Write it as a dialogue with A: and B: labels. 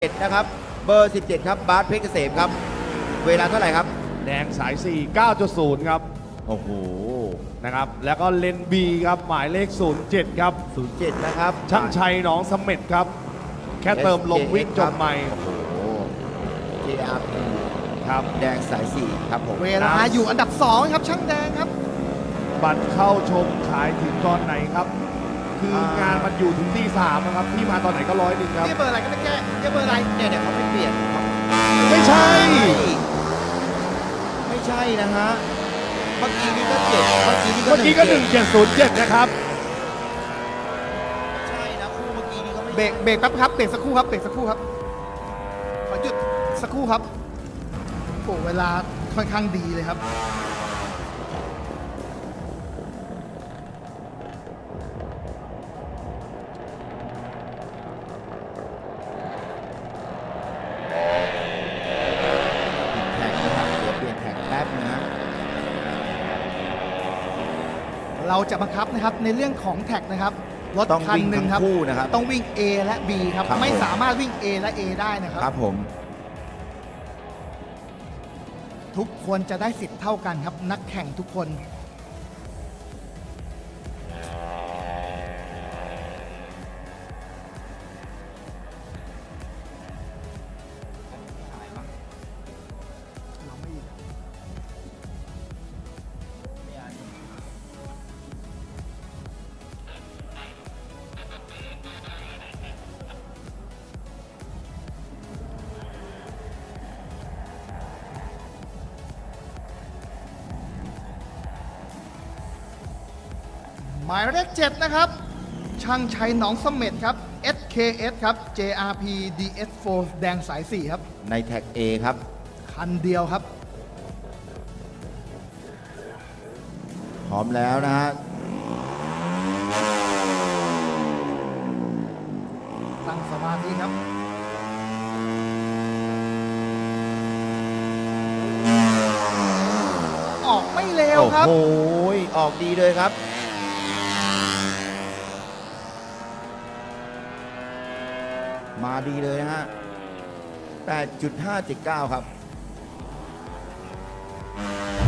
A: 17นะครับเบอร์ 17ครับบาสเพชรเกษมครับเวลาเท่าไหร่ครับ
B: แดงสาย 4 9.0 ครับ
A: โอ้โห
B: นะครับแล้วก็เลนบีครับหมายเลข 07 ครับ
A: 07นะครับ
B: ช่างชัยหนองเสม็ดครับ แค่เติมลมวิ่งจบใหม่
A: โอ้โห JRP
B: ครับ
A: แดงสาย4ครับผม
C: เวลาอยู่อันดับ 2 ครับช่างแดงครับ
B: บัตรเข้าชมขายถึงตอนไหนครับ คืองานมันอยู่ถึงที่3นะครับที่มาตอนไหนก็100ครับ
C: นี่เบอร์อะไรก็ไม่แก้นี่เบอร์อะไร
A: เนี่ยเขาไม่เปลี่ยนครับ
B: ไม่ใช่
A: ไม่ใช่นะฮะเมื่อกี้นี่ก็7เมื่อกี้นี่ก็
B: เมื่อกี้ก็1707นะครับ
A: ใช่นะคู่เมื่อกี้นี่ก็ไม่
C: เบรกแป๊บครับเบรกสักครู่ครับเบรกสักครู่ครับขอหยุดสักครู่ครับโอ้เวลาค่อนข้างดีเลยครับ
A: แท็กนะครับเดี๋ยวเปลี่ยนแท็กแป๊บนะฮะ
C: เราจะบังคับนะครับในเรื่องของแท็กนะครับรถ
A: ต้อง
C: คัน
A: วิ่ง
C: หนึ่ง
A: ทั้ง
C: ครับ
A: คู่นะครับ
C: ต้องวิ่ง A และ B ครับ
A: ครับ
C: ไม่
A: ผม
C: สามารถวิ่ง A และ A ได้นะครับ
A: ครับผม
C: ทุกคนจะได้สิทธิ์เท่ากันครับนักแข่งทุกคนเราไม่ หมายเลข7นะครับ ช่างชัยหนองเสม็ดครับ SKS ครับ JRP DS4 แดงสาย 4 ครับ
A: ในแท็ก A ครับ
C: คันเดียวครับ
A: พร้อมแล้วนะฮะ
C: ตั้งสมาธิครับ ออกไม่เร็วครับ
A: โอ้โหออกดีเลยครับ มาดีเลยนะฮะ 8.579 ครับ